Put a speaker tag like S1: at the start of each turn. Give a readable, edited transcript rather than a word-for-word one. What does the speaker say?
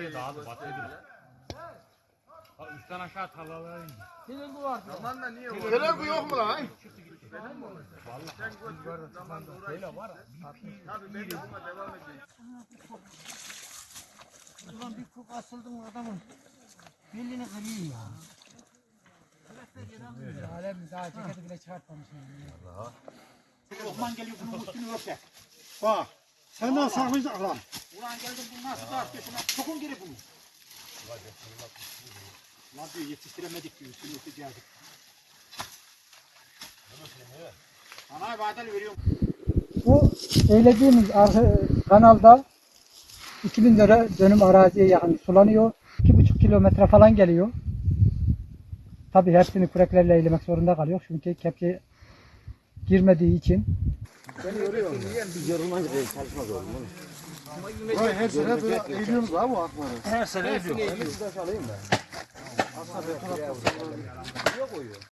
S1: Orayı dağıldı, batırdı. Üstten aşağı tarlalara indi.
S2: Senin bu var.
S3: Aman da niye o?
S4: Selam bu yok mu lan?
S3: Sen koş, zaman uğraş.
S1: Böyle var.
S3: Tabii ben de buna devam edeyim.
S2: Ulan bir kok asıldım adamın. Belini kırıyor ya. Alem daha ceketi bile çıkartmamışım.
S5: Osman geliyor bunun üstünü örter.
S4: Bak. Senden saklayacak lan.
S5: Ulan geldim bunu nasıl da arkasına sokun geri bunu. Lan diyor yetiştiremedik diyor üstünü örteceğiz. Ana vadeli veriyorum.
S2: Bu söylediğimiz kanalda 2000 lira dönüm araziye yakın sulanıyor. 2,5 kilometre falan geliyor. Tabii hepsini küreklerle eylemek zorunda kalıyor. Çünkü kepçe girmediği için.
S4: Her sene böyle eğiliyoruz abi bu akları.
S5: Her sene ediyor.